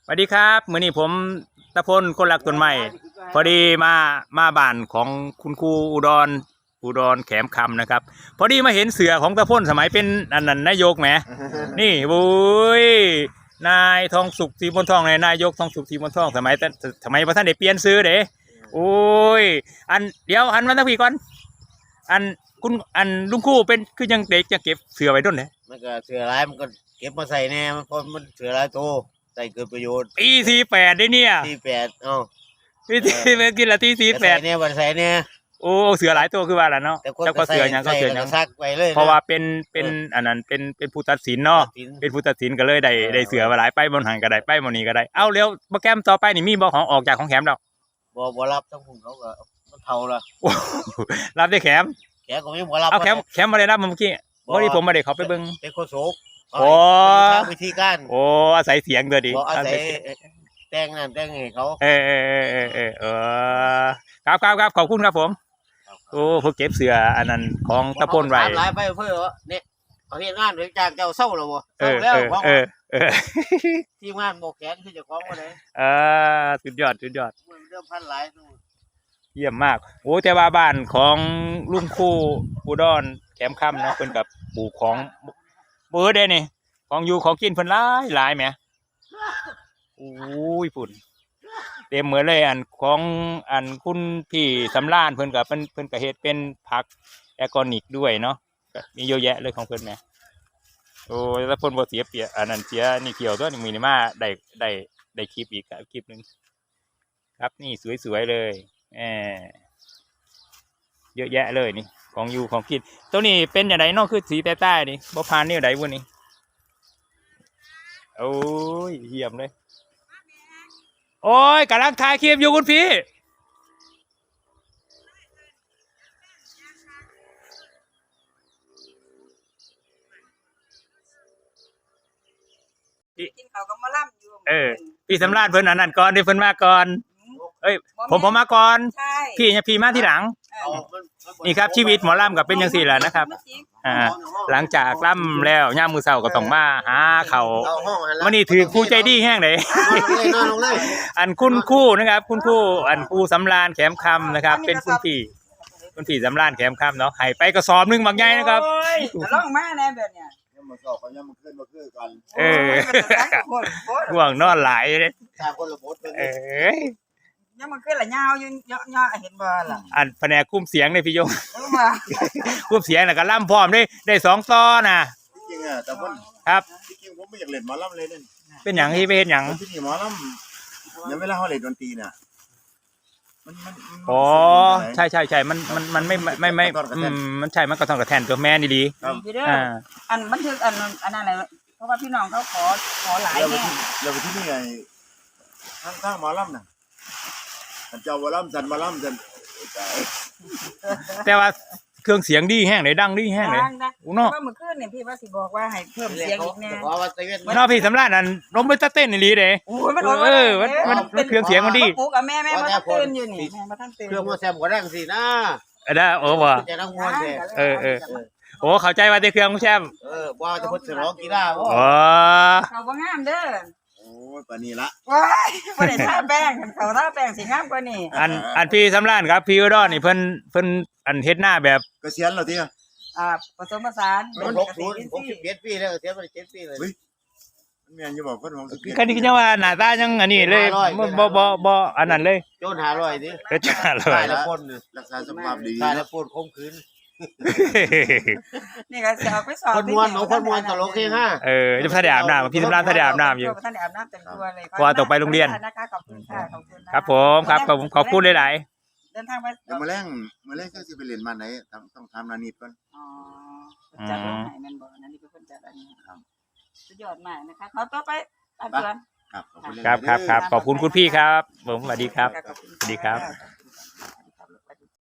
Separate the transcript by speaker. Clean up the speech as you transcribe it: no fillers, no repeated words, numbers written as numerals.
Speaker 1: สวัสดีครับมื้อนี้ผมตะพลคนรักต้นไม้พอดีมาบ้านของคุณครูอุดรแขมคำนะครับพอดีมาเห็นเสือของตะพลสมัยเป็นอันนั้นนายกแหมนี่บุ้ยนายทองสุขศรีมนทองนายกทองสุขศรีมนทองสมัยพระท่านได้เปลี่ยนซื้อเด้โอ้ยอันเดี๋ยวอันมาตั้งพี่ก่อนอันคุณอันลุงครูเป็นคือยังเด็กจะเก็บเสือไว้ด้นเลย
Speaker 2: มันก็เสือร้ายมันก็เก็บมาใส่แน่มันพอมันเสือร้ายโตใส่เกิดประโยชน์
Speaker 1: ตี48ได้เนี่ย
Speaker 2: 48
Speaker 1: วิธีเป็นกินละตี48
Speaker 2: เนี่ยวันใส่เนี่ย
Speaker 1: โอ้เสือหลายตัวคือว่าล่ะเนาะเจ้าก็เสือยังก็เสือยัง
Speaker 2: ซักไปเลย
Speaker 1: เพราะว่าเป็นอันนั้นเป็นผู้ตัดสินเนาะเป็นผู้ตัดสินก็เลยได้เสือมาหลายไปบนหันก็ได้ไปบนนี้ก็ได้เอาเร็วโปรแกรมต่อไปนี่มีบ่ของออกจากของแขมดอก
Speaker 2: บ่รับทั้งผมเขาก็มันเท่าละ
Speaker 1: รับได้แขม
Speaker 2: ก็ไม่บ่รับ
Speaker 1: เอาแขมมาได้รับเมื่อกี้พอดีผมมาได้เขาไปเบิ่ง
Speaker 2: เป็นโคโซก
Speaker 1: โอ้
Speaker 2: วิธีการ
Speaker 1: โอ้อาศัยเสียงตัวดี
Speaker 2: อาศัยแต่งนั่นแต่งให้เขา
Speaker 1: ครับขอบคุณครับผมโอ้พวกเก็บเสืออันนั้นของตะพลไว้
Speaker 2: หลายไปเพื่อเนี่ยเขาเฮ็ดงานเลยจากเจ้าเศร้าแล้วบ่เศร้าแล้วทีมงานโมกแขนคือเจ้าของบ่ได้
Speaker 1: สุดยอด
Speaker 2: เริ่มพันหลาย
Speaker 1: เยี่ยมมากโอ้แต่ว่าบ้านของลุงคู่อุดรแขมค่ำเนาะเพิ่นกับปลูกของเบอร์ได้นี่ของอยู่ของกินเพิ่นหลายแหมโอ้ยฝุ่นเต็มเหมือนเลยอันของอันคุณพี่สำราญเพิ่นกับเพิ่นก็เฮ็ดเป็นผักออร์แกนิกด้วยเนาะมีเยอะแยะเลยของเพิ่นแหมโอ้ยแล้วเพิ่นบ่เสียเปรียบอันนั้นเสียนี่เกี่ยวตัวนี่มีนี่มาได้คลิปอีกคลิปนึงครับนี่สวยๆเลยเยอะแยะเลยนี่ของอยู่ของกินตัวนี้เป็นอย่างไรนอกคือสีใต้ๆนี่บ่พานนี่ไหนวะนี่โอ้ยเยี่ยมเลยโอ้ยกำลังถ่ายคลิปอยู่คุณพี่
Speaker 3: กินข้าวกับมะล่ำอยู่
Speaker 1: พี่สำราญเพิ่นอันนั้นก่อนเดี๋ยวเพิ่นมาก่อนเอ้ยผมมาก่อนพี่มาที่หลังนี่ครับชีวิตหมอลำกับเป็นยังสี่แหละนะครับหลังจากล่ำแล้วย่ามมือเสาก็ต้องมาหาเขาวันนี้ถือคู่ใจดีแห้งเลยอันคุณคู่นะครับคุณคู่อันคู่สำราญแขมคำนะครับเป็นคุณพี่สำราญแขมคำเนาะให้ไปกระสอบนึงบางใหญ่นะครับ
Speaker 3: ล่องมาแน่แบบเนี้ย
Speaker 2: มาสอบเขายังมาขึ้นกัน
Speaker 1: ห่วงนอนหลายเลย
Speaker 3: ยังมันขึ้นละยาวอยู่ย่อเห็นบ่ล่ะ
Speaker 1: อันแผนกคุ้มเสียงเลยพี่ยงคุ้มเสียงน่ะก็ล่ำพร้อมได้2ต่อน่ะ
Speaker 2: จริงอ่ะแต่ว่า
Speaker 1: ครับ
Speaker 2: จริงผมไม่อยากเล่นหมอลำเลยเนี่ย
Speaker 1: เป็นหยังที่เป็นหยัง
Speaker 2: ที่นี่หมอลำยังเวลาเขาเล่นดนตรีน่ะ
Speaker 1: อ๋อใช่มันไม่มันใช่มันก็ต้องกระแทนตัวแม่นี่ดี
Speaker 3: อันบันทึกอันนั้นอะไรเพราะว่าพี่น้องเขาขอหลายแน่
Speaker 2: เราไปที่นี่ไงข้างหมอลำน่ะเจ้าหมอลำจันหมอลำจัน
Speaker 1: แต่ว่าเครื่องเสียงดีแห้งเลยดังดีแห้งเลย
Speaker 3: อุ้งเนาะเมื่อคืนเนี่ยพี่ว่าสิบอกว่าให้เพิ่มเสียงอีกแน่
Speaker 1: นอกพี่สำราญนั่นล้มไปตะเต้นนี่ลีเด้
Speaker 3: โอ้ยมัน
Speaker 1: เครื่องเสียงมันดี
Speaker 3: ปุ๊กกับแม่มาท่านตื่นอยู่นี่แม่มาท่านตื่น
Speaker 2: เครื่องมาแซมก็ดังสินะ
Speaker 1: ได้โอ้บ่
Speaker 2: จะนั่งมวน
Speaker 1: โอ้เข้าใจว่าแต่เครื่องแชม
Speaker 2: ว่าจะพูดถึงร้องกีฬาบ่
Speaker 3: เขาบ่งามเด้อ
Speaker 2: โอ้ยปานนี้ละ
Speaker 3: ว้ายบ่ได้ทาแป้งเขาทาแป้งสิงามกว่านี้
Speaker 1: อันพี่สำราญครับพี่อุดรนี่เพิ่นอันเฮ็ดหน้าแบบ
Speaker 2: เกษียณแล้วติ
Speaker 3: ผสมผสาน
Speaker 2: 61ปีแล้วเกษียณมา7ปีเลยมันแม่นอยู่บ่คน
Speaker 1: คันนี้ยังว่าหน้าตายังอันนี้เลยบ่อันนั้นเลย
Speaker 2: โจน500ดิ
Speaker 1: โจน500
Speaker 2: แล้วคนรักษาสุขภาพดีตายแล้วปวดคมคืน
Speaker 3: นี่ก็จะเอาไปสอบ
Speaker 2: คนมวนตลกเฮฮา
Speaker 1: จะท่าได้อาบน้ำพี่สำราญท่าได้อาบน้ำอยู่
Speaker 3: ท่าได้อาบน้ำเต็มตัวเลย
Speaker 1: พอตกไปโรงเรียน
Speaker 3: นะคะขอบคุณค่ะ
Speaker 1: ครับผมครับขอบคุณหลาย
Speaker 3: ๆเดินทางไป
Speaker 2: เดี๋ยวมาแรงก็สิไปเรียนมาไหนต้องทำนานิดก่อน
Speaker 3: จัดให้แม่นบ่นั่นนี่เป็นคนจัดอันนี้ครับสุดยอดมากนะคะขอต่อไปตามเดือน
Speaker 1: ครับขอบคุณคุณพี่ครับผมสวัสดีครับสวัสดีครับ